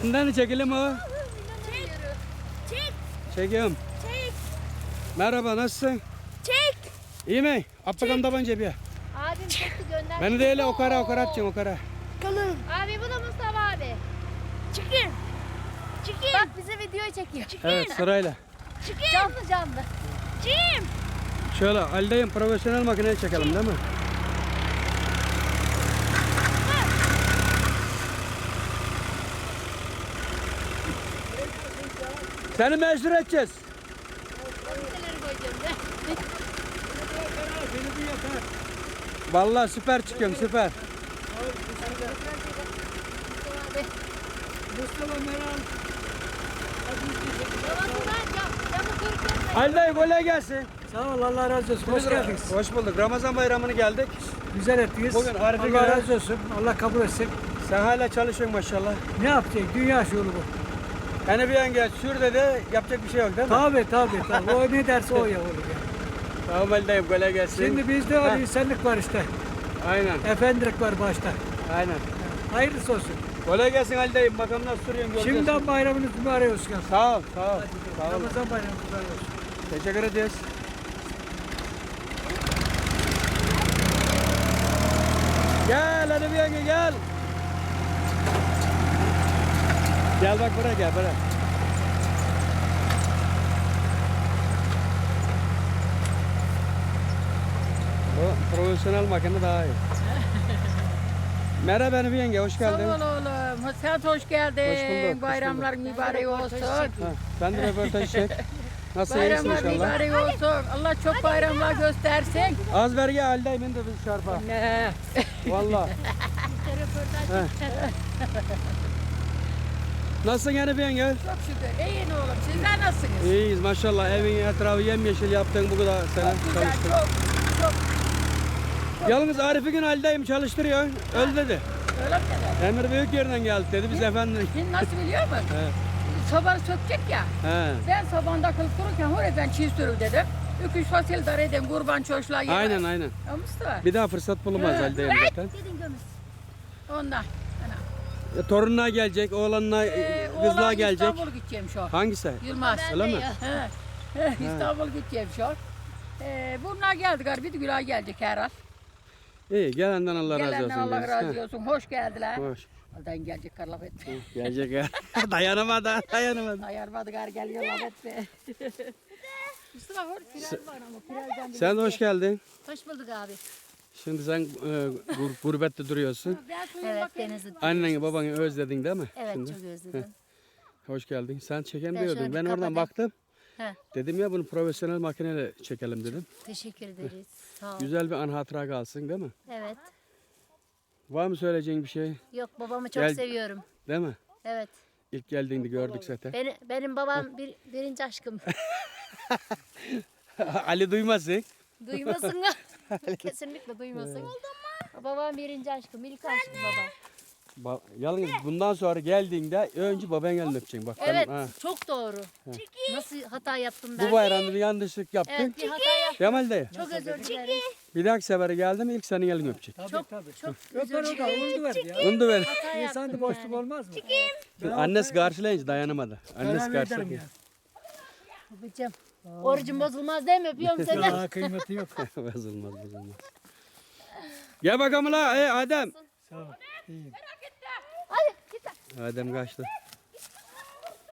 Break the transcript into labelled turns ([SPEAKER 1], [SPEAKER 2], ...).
[SPEAKER 1] Sırtından çekelim o.
[SPEAKER 2] Çek.
[SPEAKER 1] Çekiyorum.
[SPEAKER 2] Çek.
[SPEAKER 1] Merhaba, nasılsın?
[SPEAKER 2] Çek.
[SPEAKER 1] İyi mi? At bakalım tabancayı bir.
[SPEAKER 2] Abim çekti gönder.
[SPEAKER 1] Beni de öyle okara atacaksın okara.
[SPEAKER 2] Kalın. Abi bu da Mustafa abi. Çıkın. Çıkın. Bak bize video çekiyor. Çıkın.
[SPEAKER 1] Evet, sırayla.
[SPEAKER 2] Çıkın. Canlı canlı. Çıkın.
[SPEAKER 1] Şöyle Ali'deyim, profesyonel makineyi çekelim değil mi? Seni meşhur edeceğiz.
[SPEAKER 2] Neler koyacağım da.
[SPEAKER 1] Vallahi süper çıkıyorum, süper. Ali'deyim, kolay gelsin.
[SPEAKER 3] Sağ ol, Allah razı olsun. Hoş geldiniz.
[SPEAKER 1] Hoş bulduk. Ramazan bayramını geldik.
[SPEAKER 3] Güzel ettiniz.
[SPEAKER 1] Bugün Arife
[SPEAKER 3] Allah
[SPEAKER 1] günü.
[SPEAKER 3] razı olsun. Allah kabul etsin.
[SPEAKER 1] Sen hala çalışıyorsun maşallah.
[SPEAKER 3] Ne yapacak? Dünya şuuru bu.
[SPEAKER 1] Yani bir yenge sür dedi, yapacak bir şey yok değil mi?
[SPEAKER 3] Tabii. O ne derse o ya olur ya.
[SPEAKER 1] Tamam Ali'deyim, kolay gelsin.
[SPEAKER 3] Şimdi bizde öyle insanlık var işte.
[SPEAKER 1] Aynen,
[SPEAKER 3] Efendilik var başta.
[SPEAKER 1] aynen.
[SPEAKER 3] Hayırlısı olsun.
[SPEAKER 1] Kolay gelsin Ali'deyim. Bakalım nasıl sürüyorsun, göreceğiz.
[SPEAKER 3] Şimdiden bayramınız mübarek olsun.
[SPEAKER 1] Sağ ol, sağ ol. Sağ ol.
[SPEAKER 3] Ramazan bayramınız mübarek olsun.
[SPEAKER 1] Teşekkür ederiz. Gel hadi bir yenge gel. Gel bak buraya gel buraya. Bu profesyonel makine daha iyi. Merhaba benim yenge, hoş geldin.
[SPEAKER 4] Sağ ol oğlum. Sen hoş geldin.
[SPEAKER 1] Hoş bulduk, hoş
[SPEAKER 4] Bayramlar mübarek olsun.
[SPEAKER 1] Ha, sen de röportaj çek. Nasıl iyisin
[SPEAKER 4] Bayramlar
[SPEAKER 1] inşallah?
[SPEAKER 4] mübarek olsun. Allah çok bayramlar göstersin.
[SPEAKER 1] Az ver gel Ali'deyim de biz çarpa.
[SPEAKER 4] Ne?
[SPEAKER 1] Valla. Nasılsın yani bir yenge?
[SPEAKER 4] Çok şükür. İyi oğlum. Sizler nasılsınız?
[SPEAKER 1] İyiyiz maşallah. Evin etrafı yemyeşil yaptın bu kadar sene
[SPEAKER 4] Güzel.
[SPEAKER 1] çalıştın.
[SPEAKER 4] Çok.
[SPEAKER 1] Yalnız Arif'i gün Ali'deyim çalıştırıyor. Öl dedi.
[SPEAKER 4] Öyle mi dedi?
[SPEAKER 1] Emir büyük yerden geldi dedi. Biz efendim.
[SPEAKER 4] Şimdi nasıl biliyor musun?
[SPEAKER 1] He.
[SPEAKER 4] Sobanı sökecek ya.
[SPEAKER 1] He.
[SPEAKER 4] Ben sobanda kılıp dururken oraya ben çiğ sürül dedim. 2-3 fasil dar edeyim kurban çoşluğa yedim.
[SPEAKER 1] Aynen.
[SPEAKER 4] Ya Mustafa.
[SPEAKER 1] Bir daha fırsat bulunmaz
[SPEAKER 4] He.
[SPEAKER 1] Ali'deyim zaten.
[SPEAKER 2] Dedin gömüz.
[SPEAKER 4] Ondan.
[SPEAKER 1] Torununa gelecek, oğlanına, kızlığa
[SPEAKER 4] Oğlan
[SPEAKER 1] gelecek.
[SPEAKER 4] İstanbul gideceğim şu an.
[SPEAKER 1] Hangisi?
[SPEAKER 4] Yılmaz.
[SPEAKER 1] Öyle mi?
[SPEAKER 4] İstanbul gideceğim şu an. Bunlar geldi galiba. Bir de Gülay gelecek herhal.
[SPEAKER 1] İyi, gelenden Allah razı olsun.
[SPEAKER 4] Gelenden Allah
[SPEAKER 1] deriz.
[SPEAKER 4] razı
[SPEAKER 1] He.
[SPEAKER 4] olsun. Hoş geldiler.
[SPEAKER 1] Hoş.
[SPEAKER 4] Oradan gelecek kar laf etti.
[SPEAKER 1] Gelecek ya. Dayanamadı.
[SPEAKER 4] Ayarmadı gar geliyor laf etti. Mustafa hor filan var ama filandan bir
[SPEAKER 1] Sen de hoş geldin.
[SPEAKER 2] Hoş bulduk abi.
[SPEAKER 1] Şimdi sen gurbette duruyorsun.
[SPEAKER 2] Evet Denizli.
[SPEAKER 1] Anneni babanı özledin değil mi?
[SPEAKER 2] Evet
[SPEAKER 1] Şimdi?
[SPEAKER 2] çok özledim.
[SPEAKER 1] Hoş geldin. Sen çeken
[SPEAKER 2] Ben şöyle
[SPEAKER 1] diyordun.
[SPEAKER 2] bir
[SPEAKER 1] Ben oradan
[SPEAKER 2] kapatayım.
[SPEAKER 1] baktım.
[SPEAKER 2] He.
[SPEAKER 1] Dedim ya bunu profesyonel makineyle çekelim dedim.
[SPEAKER 2] Teşekkür ederiz. Sağ ol.
[SPEAKER 1] Güzel bir an hatıra kalsın değil mi?
[SPEAKER 2] Evet.
[SPEAKER 1] Var mı söyleyeceğin bir şey?
[SPEAKER 2] Yok babamı çok
[SPEAKER 1] Gel-
[SPEAKER 2] seviyorum.
[SPEAKER 1] Değil mi?
[SPEAKER 2] Evet.
[SPEAKER 1] İlk geldiğinde gördük zaten.
[SPEAKER 2] Benim babam birinci aşkım.
[SPEAKER 1] Ali duymasın.
[SPEAKER 2] Duymasın. Kesinlikle duymasın. Babam birinci aşkım. İlk aşkım babam.
[SPEAKER 1] Yalnız bundan sonra geldiğinde önce baban elini öpeceksin. Bak,
[SPEAKER 2] Evet.
[SPEAKER 1] ha.
[SPEAKER 2] Çok doğru. Nasıl hata yaptım ben?
[SPEAKER 1] Bu bayramda bir yanlışlık yaptın.
[SPEAKER 2] Evet bir hata yaptım.
[SPEAKER 1] Kemal dayı.
[SPEAKER 2] Çok özür dilerim.
[SPEAKER 1] Bir dahaki sefere geldi mi ilk senin elini öpecek.
[SPEAKER 2] Çok
[SPEAKER 3] Öper o da oldu verdi ya.
[SPEAKER 1] Onu da ver.
[SPEAKER 2] hata yaptım.
[SPEAKER 3] İnsanda boşluk
[SPEAKER 2] yani.
[SPEAKER 3] olmaz mı?
[SPEAKER 1] Annesi karşılayınca dayanamadı. Annesi
[SPEAKER 3] Beraber ederim
[SPEAKER 1] karşılayınca.
[SPEAKER 3] ya.
[SPEAKER 2] Babacığım. Orucum bozulmaz değil mi? Öpüyorum seni.
[SPEAKER 3] Daha kıymeti yok.
[SPEAKER 1] Bozulmaz. Gel bakalım la. Adem.
[SPEAKER 3] Sağ ol. İyiyim.
[SPEAKER 2] Hadi git.
[SPEAKER 1] Adem kaçtı.